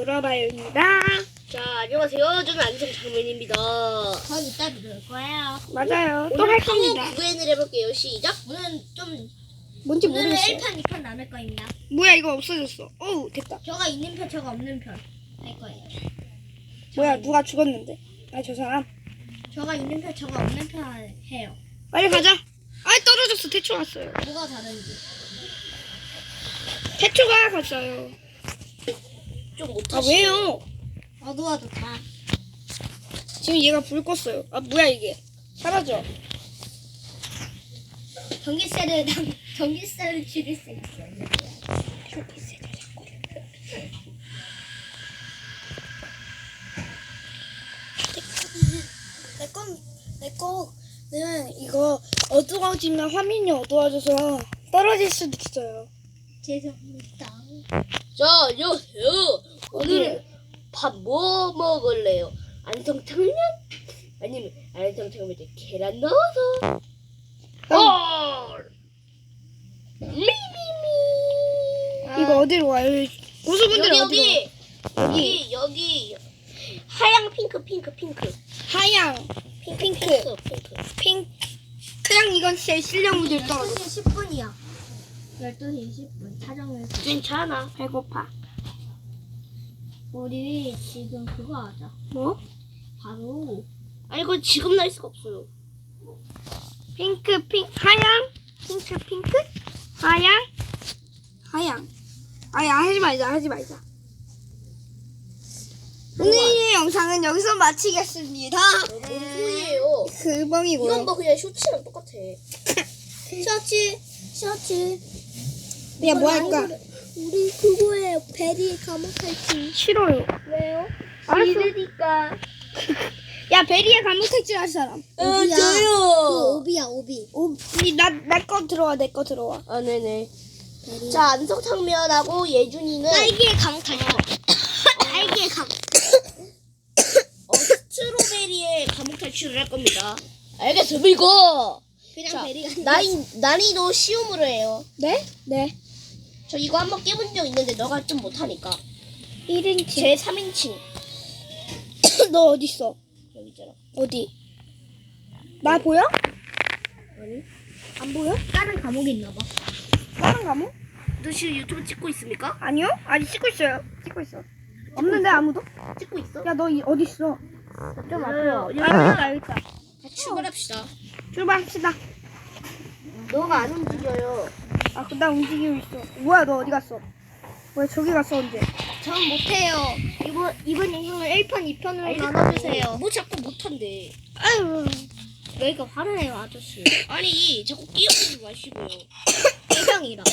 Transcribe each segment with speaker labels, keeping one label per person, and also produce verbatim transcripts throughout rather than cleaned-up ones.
Speaker 1: 물어봐요입니다.
Speaker 2: 자, 안녕하세요. 저는 안성 장면입니다.
Speaker 3: 전 이따 들을 거예요.
Speaker 1: 맞아요. 또
Speaker 2: 오늘
Speaker 1: 할
Speaker 2: 파워
Speaker 1: 겁니다.
Speaker 2: 구엔을 해볼게요. 시작.
Speaker 3: 오늘은 좀
Speaker 1: 뭔지
Speaker 3: 오늘은
Speaker 1: 모르겠어요.
Speaker 3: 일 판, 이 판 나눌 거입니다.
Speaker 1: 뭐야 이거 없어졌어. 어우 됐다.
Speaker 3: 저가 있는 편, 저가 없는 편 할 거예요.
Speaker 1: 뭐야 누가 죽었는데? 아 저 사람.
Speaker 3: 저가 있는 편, 저가 없는 편 해요.
Speaker 1: 빨리 가자. 아 떨어졌어. 태초 왔어요.
Speaker 3: 뭐가 다른지.
Speaker 1: 태초가 갔어요.
Speaker 2: 좀
Speaker 1: 아
Speaker 2: 못하시네.
Speaker 1: 왜요?
Speaker 3: 어두워도 다.
Speaker 1: 지금 얘가 불 껐어요. 아 뭐야 이게? 사라져.
Speaker 3: 전기세를 당- 전기세를 줄일 수 있어요.
Speaker 1: 내건 내거는 이거 어두워지면 화면이 어두워져서 떨어질 수도 있어요.
Speaker 3: 죄송합니다.
Speaker 2: 자, 안녕하세요. 오늘은 밥 뭐 먹을래요? 안성탕면? 아니면 안성탕면에 계란 넣어서? 헐! 미미미.
Speaker 1: 이거 어디로 와요? 고수분들
Speaker 2: 여기
Speaker 1: 어디로?
Speaker 2: 여기 여기 여기 하양 핑크 핑크 핑크
Speaker 1: 하양,
Speaker 2: 핑크
Speaker 1: 핑크.
Speaker 2: 핑크 핑크.
Speaker 1: 핑크. 그냥 이건 제 실력 무딜 떨어져.
Speaker 3: 열두 시 십 분이야. 열두 시 십 분. 촬영을.
Speaker 2: 괜찮아.
Speaker 1: 배고파.
Speaker 3: 우리 지금 그거 하자.
Speaker 1: 뭐?
Speaker 3: 바로
Speaker 2: 아 이거 지금 날 수가 없어요.
Speaker 1: 핑크, 핑크, 하양, 핑크, 핑크, 하양, 하양. 아야 하지 말자, 하지 말자. 오늘의 영상은 여기서 마치겠습니다.
Speaker 2: 뭔 소리예요?
Speaker 1: 그방이고요.
Speaker 2: 이건 뭐 그냥 쇼츠랑 똑같아.
Speaker 3: 셔츠, 셔츠.
Speaker 1: 야, 뭐 할까?
Speaker 3: 우리 그거에 베리 감옥 탈출.
Speaker 1: 싫어요.
Speaker 3: 왜요?
Speaker 1: 알았어.
Speaker 2: 싫으니까.
Speaker 1: 야, 베리에 감옥 탈출할 사람.
Speaker 2: 어,
Speaker 3: 오비야.
Speaker 2: 저요.
Speaker 3: 그 오비야 오비.
Speaker 1: 오, 나내 거 들어와, 내 거 들어와.
Speaker 2: 아 네네. 자 안성탕면하고 예준이는
Speaker 3: 딸기에 감옥 탈출. 딸기에 감옥.
Speaker 2: 어, 스트로베리의 감옥 탈출을 할 겁니다. 알겠습니까?
Speaker 3: 그냥
Speaker 2: 자,
Speaker 3: 베리가.
Speaker 2: 난이, 난이도 쉬움으로 해요.
Speaker 1: 네? 네.
Speaker 2: 저 이거 한번 깨본 적 있는데 너가 좀 못하니까.
Speaker 1: 일 인칭.
Speaker 2: 제 삼 인칭.
Speaker 1: 너 어디 있어?
Speaker 2: 여기 있잖아.
Speaker 1: 어디? 나 보여?
Speaker 2: 아니?
Speaker 1: 안 보여?
Speaker 3: 다른 감옥에 있나 봐.
Speaker 1: 다른 감옥?
Speaker 2: 너 지금 유튜브 찍고 있습니까?
Speaker 1: 아니요? 아직 찍고 있어요. 찍고 있어. 없는데 아무도?
Speaker 2: 찍고 있어?
Speaker 1: 야, 너 이- 어디 있어? 좀 앞으로.
Speaker 2: 야,
Speaker 1: 알겠다, 알겠다.
Speaker 2: 자, 출발합시다.
Speaker 1: 출발합시다.
Speaker 2: 너가 안 움직여요.
Speaker 1: 아, 그 나 움직이고 있어. 뭐야, 너 어디 갔어? 왜 저기 갔어, 언제?
Speaker 3: 전 못해요. 이번 이번 영상을 일 편, 이 편으로
Speaker 2: 아니,
Speaker 3: 나눠주세요.
Speaker 2: 뭐 자꾸 못한대.
Speaker 1: 아유,
Speaker 3: 여기가 화나요 아저씨.
Speaker 2: 아니 자꾸 끼어들지 마시고요.
Speaker 3: 대장이라고?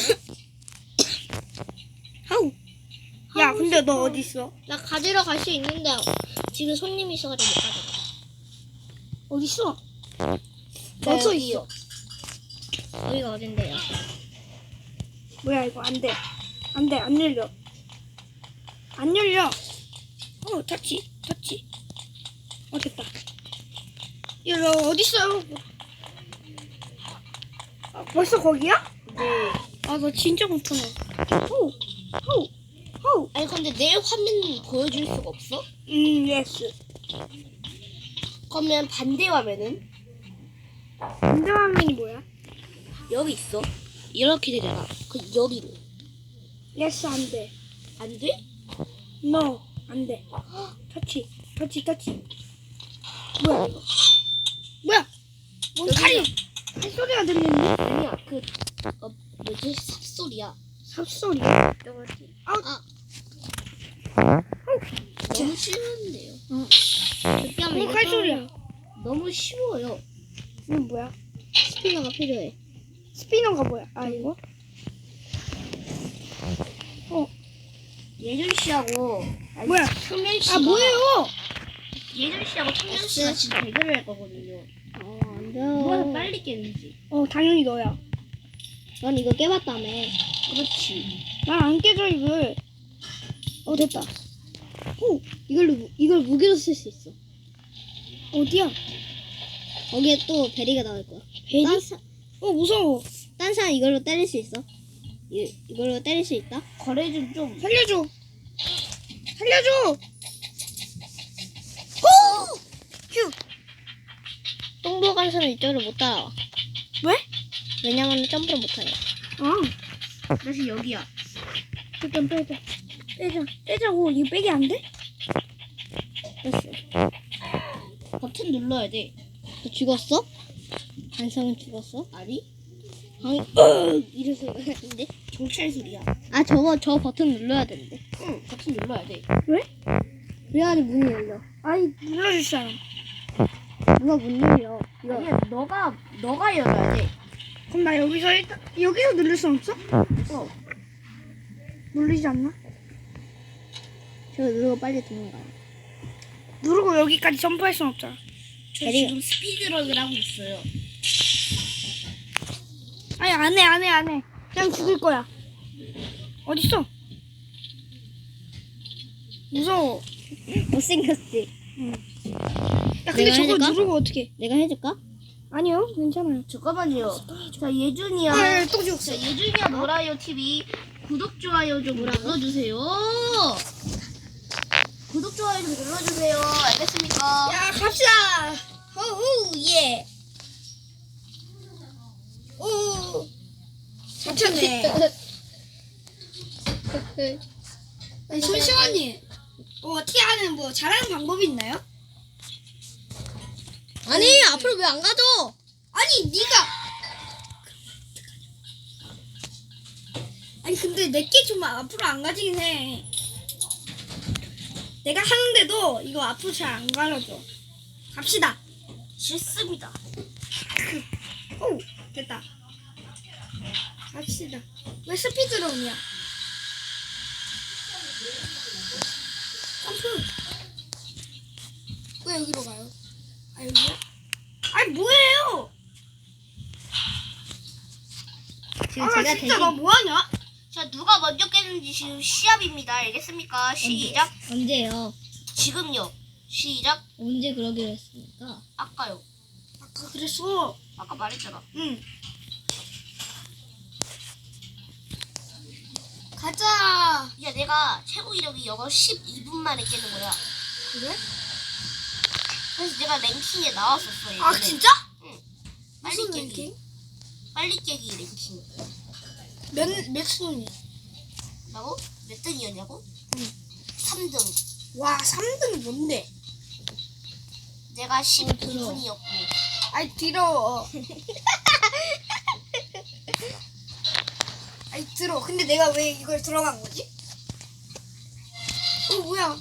Speaker 1: 하우. 야, 근데 너 어디 있어?
Speaker 3: 나 가지러 갈 수 있는데 지금 손님이 있어가지고 못 가져가.
Speaker 1: 어디 있어?
Speaker 2: 저
Speaker 1: 멈춰
Speaker 2: 여기요.
Speaker 1: 있어.
Speaker 3: 여기가 어딘데요?
Speaker 1: 뭐야, 이거 안 돼. 안 돼, 안 열려. 안 열려. 어, 터치, 터치. 어, 됐다. 야, 너 어디 있어요? 아, 벌써 거기야?
Speaker 2: 네.
Speaker 1: 아, 나 진짜 못하네. 호우, 호우, 호우.
Speaker 2: 아니 근데 내 화면 보여줄 수가 없어?
Speaker 1: 음, 예스.
Speaker 2: 그러면 반대 화면은
Speaker 1: 반대 화면이 뭐야?
Speaker 2: 여기 있어. 이렇게 되잖아. 그 여기로
Speaker 1: 예스, 안 돼.
Speaker 2: 안 돼?
Speaker 1: No, 안 돼. 터치, 터치, 터치. 뭐야, 이거? 뭐야? 뭔
Speaker 2: 여기야.
Speaker 1: 칼이, 칼소리가 들리니?
Speaker 2: 아니야. 그 어, 뭐지? 삽소리야.
Speaker 1: 삽소리.
Speaker 2: 저거지.
Speaker 1: 아,
Speaker 2: 너무 쉬운데요.
Speaker 1: 뭔 칼소리야?
Speaker 2: 너무 쉬워요.
Speaker 1: 이건 뭐야?
Speaker 3: 스피너가 필요해.
Speaker 1: 스피너가 뭐야? 아, 이거? 어,
Speaker 2: 예준 씨하고 아니,
Speaker 1: 뭐야?
Speaker 2: 청년 씨가
Speaker 1: 아, 뭐예요?
Speaker 2: 예준 씨하고 청년 씨가 지금 대결을 할 거거든요.
Speaker 3: 어, 안
Speaker 2: 누가 더
Speaker 3: 돼.
Speaker 2: 빨리 깨는지.
Speaker 1: 어, 당연히 너야.
Speaker 3: 넌 이거 깨봤다며.
Speaker 2: 그렇지.
Speaker 1: 난 안 깨져, 이걸. 어, 됐다.
Speaker 3: 오, 이걸로 무- 이걸 무기로 쓸 수 있어.
Speaker 1: 어디야?
Speaker 3: 거기에 또 베리가 나올 거야.
Speaker 1: 베리?
Speaker 3: 딴, 사,
Speaker 1: 어, 무서워.
Speaker 3: 딴 사람 이걸로 때릴 수 있어? 이, 이걸로 때릴 수 있다?
Speaker 2: 거래 좀 좀.
Speaker 1: 살려줘. 살려줘. 호! 휴.
Speaker 3: 똥보 간수는 이쪽으로 못 따라와.
Speaker 1: 왜?
Speaker 3: 왜냐면 점프를 못하니.
Speaker 1: 아,
Speaker 2: 다시 여기야.
Speaker 1: 일단 빼자. 빼자. 빼자고. 이거 빼기 안 돼?
Speaker 3: 됐어.
Speaker 2: 버튼 눌러야 돼.
Speaker 3: 너 죽었어? 간성은 죽었어?
Speaker 2: 아니?
Speaker 3: 방, 으 이런 소리가 나는데?
Speaker 2: 경찰 소리야.
Speaker 3: 아, 저거, 저 버튼 눌러야 되는데.
Speaker 2: 응, 버튼 눌러야 돼.
Speaker 1: 왜?
Speaker 3: 그래야지 문이 열려.
Speaker 1: 아이, 눌러줄 사람.
Speaker 3: 누가 문 열려? 이거.
Speaker 2: 아니야, 너가 너가 열어야 돼.
Speaker 1: 그럼 나 여기서 일단, 여기서 누를 수 없어?
Speaker 2: 어.
Speaker 1: 눌리지 않나?
Speaker 3: 저거 누르고 빨리 도망가요.
Speaker 1: 누르고 여기까지 점프할 순 없잖아.
Speaker 2: 저
Speaker 3: 대리.
Speaker 2: 지금 스피드런을 하고 있어요.
Speaker 1: 아니, 안 해, 안 해, 안 해. 그냥 죽을 거야. 어딨어? 무서워.
Speaker 3: 못생겼지?
Speaker 1: 야, 근데
Speaker 3: 내가
Speaker 1: 저거
Speaker 3: 해줄까?
Speaker 1: 누르고 어떻게?
Speaker 3: 내가 해줄까?
Speaker 1: 아니요, 괜찮아요.
Speaker 2: 잠깐만요. 자, 예준이야.
Speaker 1: 아, 또 죽었어.
Speaker 2: 자, 예준이야 놀아요 티비 구독 좋아요 좀 눌러주세요. 구독 좋아요 좀 눌러주세요. 알겠습니까?
Speaker 1: 야, 갑시다. 호우, 예. 오, 괜찮네. 아니, 손시원님, 뭐 어떻게 하는 뭐 잘하는 방법이 있나요?
Speaker 3: 아니, 앞으로 왜 안 가죠?
Speaker 1: 아니, 네가. 아니, 근데 내게 좀 앞으로 안 가지긴 해. 내가 하는데도 이거 앞으로 잘 안 가려져. 갑시다.
Speaker 2: 싫습니다.
Speaker 1: 오, 됐다. 갑시다. 왜 스피드런이야? 점프. 왜 여기로 가요? 아, 여기요? 아니, 뭐예요?
Speaker 3: 지금
Speaker 1: 아,
Speaker 3: 제가
Speaker 1: 진짜
Speaker 3: 대신
Speaker 1: 나 뭐하냐?
Speaker 2: 자, 누가 먼저 깨는지 지금 시합입니다. 알겠습니까? 시작.
Speaker 3: 언제요?
Speaker 2: 지금요. 시작.
Speaker 3: 언제 그러기로 했습니까?
Speaker 2: 아까요.
Speaker 1: 아까 그랬어.
Speaker 2: 아까 말했잖아.
Speaker 1: 응. 가자.
Speaker 2: 야, 내가 최고 이력이 영어 십이 분 만에 깨는 거야.
Speaker 1: 그래?
Speaker 2: 그래서 내가 랭킹에 나왔었어. 예전에.
Speaker 1: 아, 진짜?
Speaker 2: 응. 빨리
Speaker 1: 무슨
Speaker 2: 깨기.
Speaker 1: 랭킹?
Speaker 2: 빨리 깨기 랭킹.
Speaker 1: 몇, 몇 순위?
Speaker 2: 라고? 몇 등이었냐고?
Speaker 1: 응.
Speaker 2: 삼 등.
Speaker 1: 와, 삼 등 뭔데?
Speaker 2: 내가 십이 분이었고.
Speaker 1: 아이, 들어. 아이, 들어. 근데 내가 왜 이걸 들어간 거지? 어, 뭐야?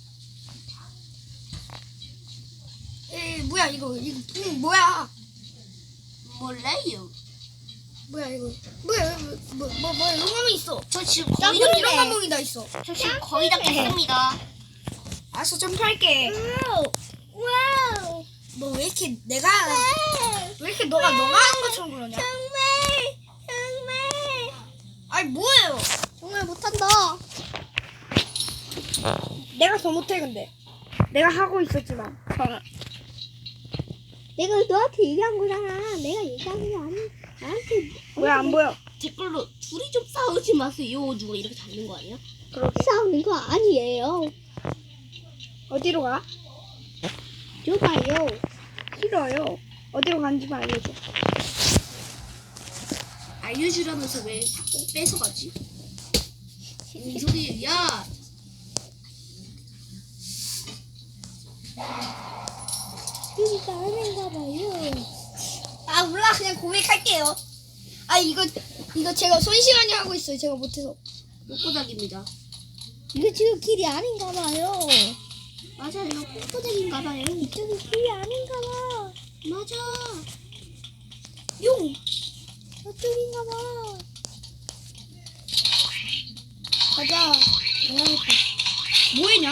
Speaker 1: 에이, 뭐야, 이거. 이거, 응, 뭐야?
Speaker 2: 몰라요.
Speaker 1: 뭐야, 이거. 뭐야, 뭐, 뭐, 뭐, 뭐, 용암이 있어.
Speaker 2: 저 지금
Speaker 1: 나
Speaker 2: 거의 다,
Speaker 1: 이런 감동이 다 있어.
Speaker 2: 저 지금 거의 다 깼습니다.
Speaker 1: 알았어, 점프할게.
Speaker 3: 와우!
Speaker 1: 너 왜 이렇게 내가, 왜 이렇게 너가 너가 하는 것처럼 그러냐?
Speaker 3: 정말! 정말!
Speaker 1: 아니, 뭐예요?
Speaker 3: 정말 못한다.
Speaker 1: 내가 더 못해, 근데. 내가 하고 있었지만.
Speaker 3: 내가 너한테 얘기한 거잖아. 내가 얘기한 게 아니. 나한테
Speaker 1: 왜 안 보여?
Speaker 2: 댓글로 둘이 좀 싸우지 마세요. 누가 이렇게 달는 거 아니야?
Speaker 3: 싸우는 거 아니에요.
Speaker 1: 어디로 가?
Speaker 3: 줘봐요.
Speaker 1: 싫어요. 어디로 가는지만 알려줘.
Speaker 2: 알려주라면서 왜 꼭 뺏어가지? 이 소리, 야!
Speaker 3: 그러니까 하는가 봐요.
Speaker 1: 아, 몰라. 그냥 고백할게요. 아, 이거, 이거 제가 손시간이 하고 있어요. 제가 못해서.
Speaker 2: 꼬꼬닥입니다.
Speaker 3: 이거 지금 길이 아닌가 봐요.
Speaker 2: 맞아요. 꼬꼬닥인가 봐요.
Speaker 3: 이쪽이 길이 아닌가 봐.
Speaker 2: 맞아.
Speaker 1: 용!
Speaker 3: 저쪽인가 봐.
Speaker 1: 가자. 뭐했냐?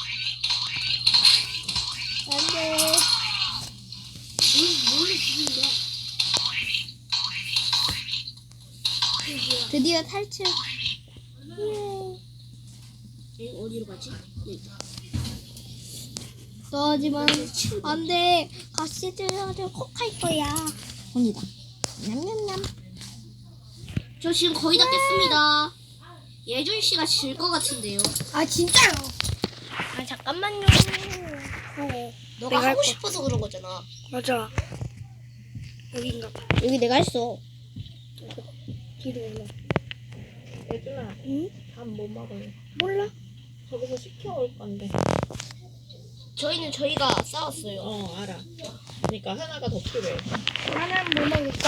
Speaker 3: 안 돼.
Speaker 2: 뭘로 죽인 거야?
Speaker 3: 드디어 탈출. 예.
Speaker 2: 얘 어디로 가지? 여기.
Speaker 3: 너지만 안 돼. 같이 들어가서 콕할 거야. 혼이다. 냠냠냠.
Speaker 2: 저 지금 거의 다 깼습니다. 예준 씨가 질 것 같은데요.
Speaker 1: 아, 진짜요?
Speaker 2: 아 잠깐만요.
Speaker 1: 어.
Speaker 2: 너가
Speaker 1: 내가 할
Speaker 2: 하고
Speaker 1: 거.
Speaker 2: 싶어서 그런 거잖아.
Speaker 1: 맞아. 여긴가 봐.
Speaker 3: 여기 내가 했어.
Speaker 1: 뒤로 올라.
Speaker 4: 예준아,
Speaker 1: 응?
Speaker 4: 밥 뭐 먹을래?
Speaker 1: 몰라.
Speaker 4: 저기서 시켜올 건데.
Speaker 2: 저희는 저희가 싸웠어요.
Speaker 4: 어, 알아. 그러니까 하나가 더 필요해.
Speaker 1: 나는 뭐 먹을까?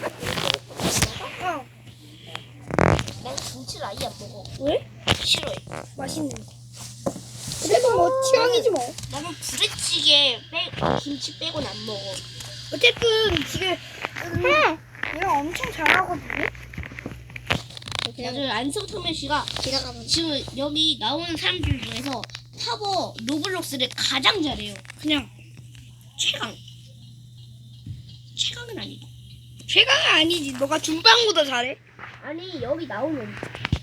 Speaker 1: 어.
Speaker 2: 난 김치를 아예 안 먹어.
Speaker 1: 왜?
Speaker 2: 싫어해.
Speaker 1: 맛있는 거. 그래도 뭐 취향이지 뭐.
Speaker 2: 나는 부대찌개 빼 김치 빼고는 안 먹어.
Speaker 1: 어쨌든 지금 음, 얘가 엄청 잘하거든요.
Speaker 2: 맞아요. 안성토면 씨가
Speaker 3: 지나가면
Speaker 2: 지금 여기 나오는 사람들 중에서 타버 로블록스를 가장 잘해요.
Speaker 1: 그냥
Speaker 2: 최강. 최강은 아니고.
Speaker 1: 최강은 아니지. 너가 준빵보다 잘해.
Speaker 2: 아니 여기 나오는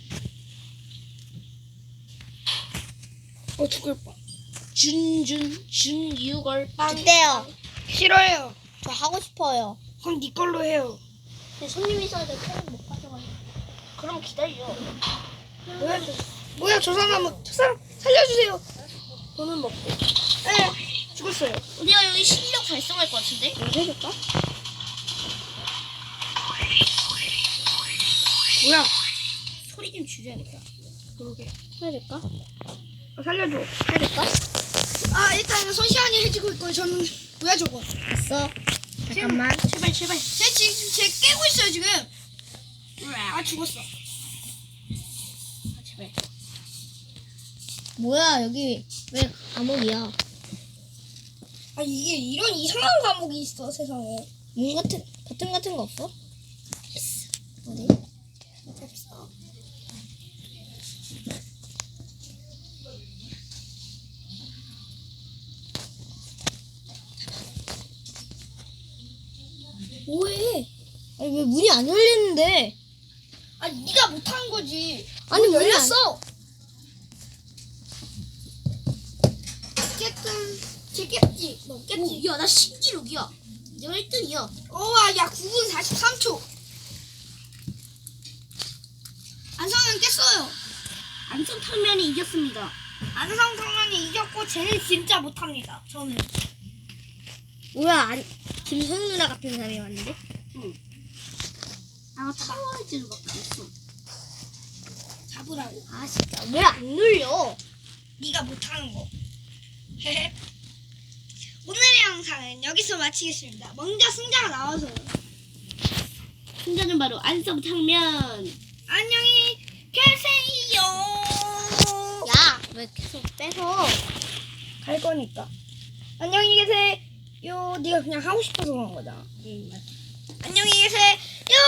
Speaker 1: 어 죽을 뻔.
Speaker 2: 준준 준유걸 빵.
Speaker 3: 어때요?
Speaker 1: 싫어요.
Speaker 3: 저 하고 싶어요.
Speaker 1: 그럼 네 걸로 해요.
Speaker 2: 근데 손님이 있어야 돼. 팬을 못 가져가요. 그럼 기다려.
Speaker 1: 뭐야 저, 뭐야 저 사람은 저 사람 살려주세요. 돈은 먹고. 에 죽었어요.
Speaker 2: 우리가 여기 실력 달성할 것 같은데?
Speaker 1: 뭐 해줄까? 뭐야?
Speaker 2: 소리 좀 줄여야겠다.
Speaker 1: 그러게.
Speaker 3: 해야 될까?
Speaker 1: 어, 살려줘.
Speaker 3: 해야 될까?
Speaker 1: 아 일단 손시안이 해주고 있고 저는 뭐야 저거?
Speaker 3: 됐어. 잠깐만.
Speaker 2: 제발 제발.
Speaker 1: 쟤 지금 쟤 깨고 있어요 지금. 아 죽었어.
Speaker 2: 아, 제발.
Speaker 3: 뭐야 여기 왜 감옥이야?
Speaker 1: 아 이게 이런 이상한 과목이 있어 세상에.
Speaker 3: 문 같은 버튼 같은 거 없어? 어디?
Speaker 1: 없어. 뭐해?
Speaker 3: 아니 왜 문이 안 열리는데?
Speaker 1: 아니 네가 못한 거지.
Speaker 3: 아니
Speaker 1: 문
Speaker 3: 문이 안-
Speaker 1: 열렸어. 어쨌든 쟤 깼지. 너 깼지.
Speaker 2: 야, 나 신기록이야. 내가 일 등이야.
Speaker 1: 어와 야 구 분 사십삼 초. 안성은 깼어요.
Speaker 2: 안성탕면이 이겼습니다.
Speaker 1: 안성 당연히 이겼고 쟤는 진짜 못합니다. 저는.
Speaker 3: 뭐야 안 김소영 누나 같은 사람이 왔는데?
Speaker 2: 아, 타워즈를 막 했어.
Speaker 1: 잡으라고.
Speaker 3: 아 진짜 왜 안 눌려?
Speaker 1: 네가 못하는 거. 오늘의 영상은 여기서 마치겠습니다. 먼저 승자가 나와서요.
Speaker 2: 승자는 바로 안성탕면.
Speaker 1: 안녕히 계세요.
Speaker 3: 야 왜 계속 빼서?
Speaker 1: 갈 거니까. 안녕히 계세요. 네가 그냥 하고 싶어서 그런 거잖아.
Speaker 3: 응 맞아.
Speaker 1: 안녕히 계세요.